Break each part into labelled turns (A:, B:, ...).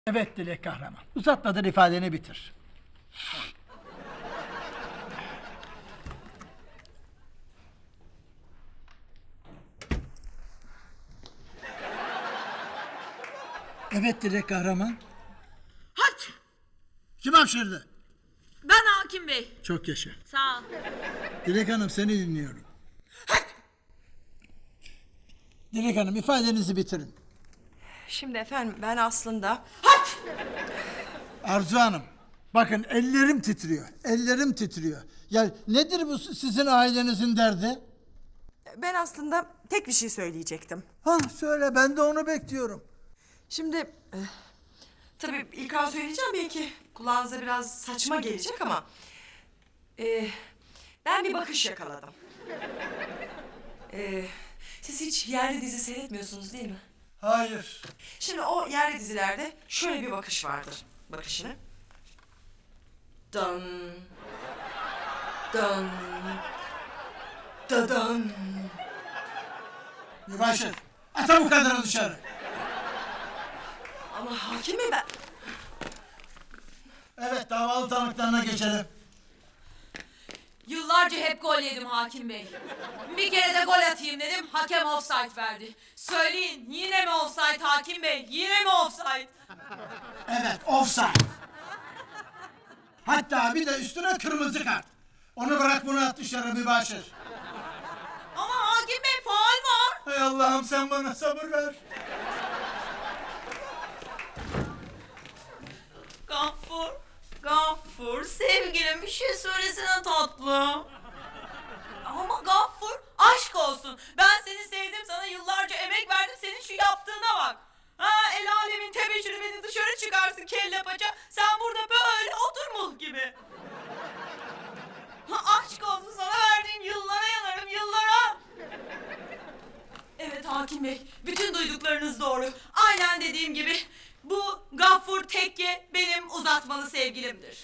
A: Evet Dilek Kahraman. Uzatmadan ifadeni bitir. Evet Dilek Kahraman.
B: Hadi.
A: Kim hapşırdı?
B: Ben Hakim Bey.
A: Çok yaşa.
B: Sağ ol.
A: Dilek Hanım seni dinliyorum. Dilek Hanım ifadenizi bitirin.
C: Şimdi efendim ben aslında...
A: Arzu Hanım. Bakın ellerim titriyor. Ellerim titriyor. Ya nedir bu sizin ailenizin derdi?
C: Ben aslında tek bir şey söyleyecektim.
A: Söyle ben de onu bekliyorum.
C: Şimdi... tabii ilk an söyleyeceğim belki kulağınıza biraz saçma gelecek ama... ben bir bakış yakaladım. Siz hiç yerli dizi seyretmiyorsunuz değil mi?
A: Hayır.
C: Şimdi o yerli dizilerde şöyle bir bakış vardır. Bakışını. Dan. Dan. Dadan.
A: Mübaşir. Ata bu kadarı dışarı.
C: Ama hakim bey ben...
A: Evet davalı tanıklarına geçelim.
B: Yıllarca hep gol yedim Hakim Bey. Bir kere de gol atayım dedim, hakem offside verdi. Söyleyin, yine mi offside Hakim Bey? Yine mi offside?
A: Evet offside. Hatta bir de üstüne kırmızı kart. Onu bırak bunu at dışarı Mübaşir.
B: Ama Hakim Bey faul var.
A: Hay Allah'ım sen bana sabır ver.
B: Gaffur, sevgilim bir şey söylesene tatlım. Ama Gaffur, aşk olsun. Ben seni sevdim, sana yıllarca emek verdim, senin şu yaptığına bak. El alemin tebeşiri beni dışarı çıkarsın kelle paça. Sen burada böyle otur muh gibi. Aşk olsun, sana verdiğim yıllara yanarım, yıllara. Evet Hakim Bey, bütün duyduklarınız doğru. Aynen dediğim gibi bu Gaffur Tekke benim uzatmalı sevgilimdir.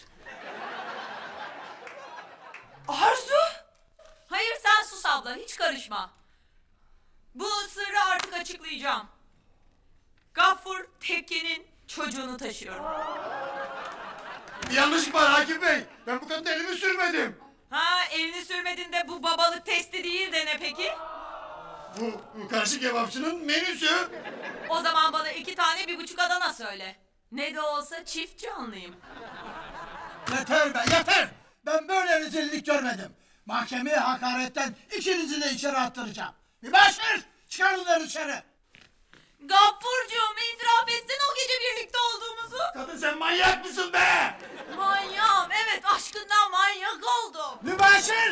C: Arzu!
B: Hayır sen sus abla, hiç karışma. Bu sırrı artık açıklayacağım. Gaffur Tekke'nin çocuğunu taşıyorum.
D: Bir yanlışlık var Hakim Bey. Ben bu kadına elimi sürmedim.
B: Elini sürmedin de bu babalık testi değil de ne peki?
D: Bu karşı kebapçının menüsü.
B: O zaman bana 2 tane 1,5 Adana söyle. Ne de olsa çift canlıyım.
A: Yeter be yeter. Ben böyle rezillik görmedim. Mahkemeye hakaretten ikinizi de içeri attıracağım. Mübaşir çıkar bunları dışarı.
B: Gaffurcuğum itiraf etsene o gece birlikte olduğumuzu.
D: Kadın sen manyak mısın be?
B: Manyağım, evet aşkından manyak oldum.
A: Mübaşir.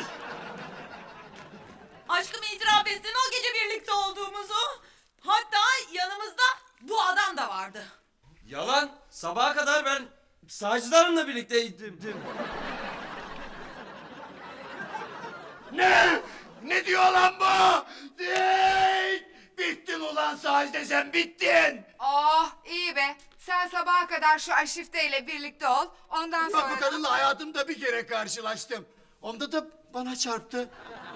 B: Aşkımı itiraf etsene o gece birlikte olduğumuzu. Hatta yanımızda bu adam da vardı.
E: Yalan. Sabaha kadar ben Sacide Hanım'la birlikteydim.
D: Ne? Ne diyor lan bu? Değil. Bittin ulan Sacide sen bittin.
F: Oh iyi be. Sen sabaha kadar şu Aşifte'yle birlikte ol. Ondan
D: Bak
F: sonra...
D: bu kadınla hayatımda bir kere karşılaştım. Onda da bana çarptı.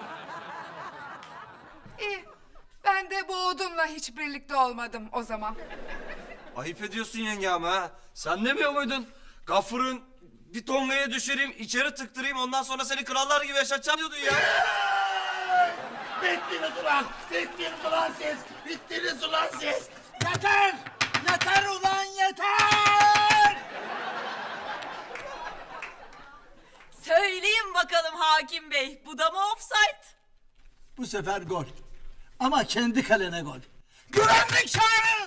F: İyi. Ben de bu odunla hiç birlikte olmadım o zaman.
E: Ayıp ediyorsun yenge ama ha. Sen demiyor muydun? Gafur'un bir tongaya düşüreyim, içeri tıktırayım, ondan sonra seni krallar gibi yaşatacağım diyordun ya.
D: Bittiniz ulan. Bittiniz ulan siz. Bittiniz ulan siz.
A: Yeter. Yeter ulan yeter.
B: Söyleyin bakalım Hakim Bey, bu da mı offside?
A: Bu sefer gol. Ama kendi kalene gol. Güvenlik çağırın.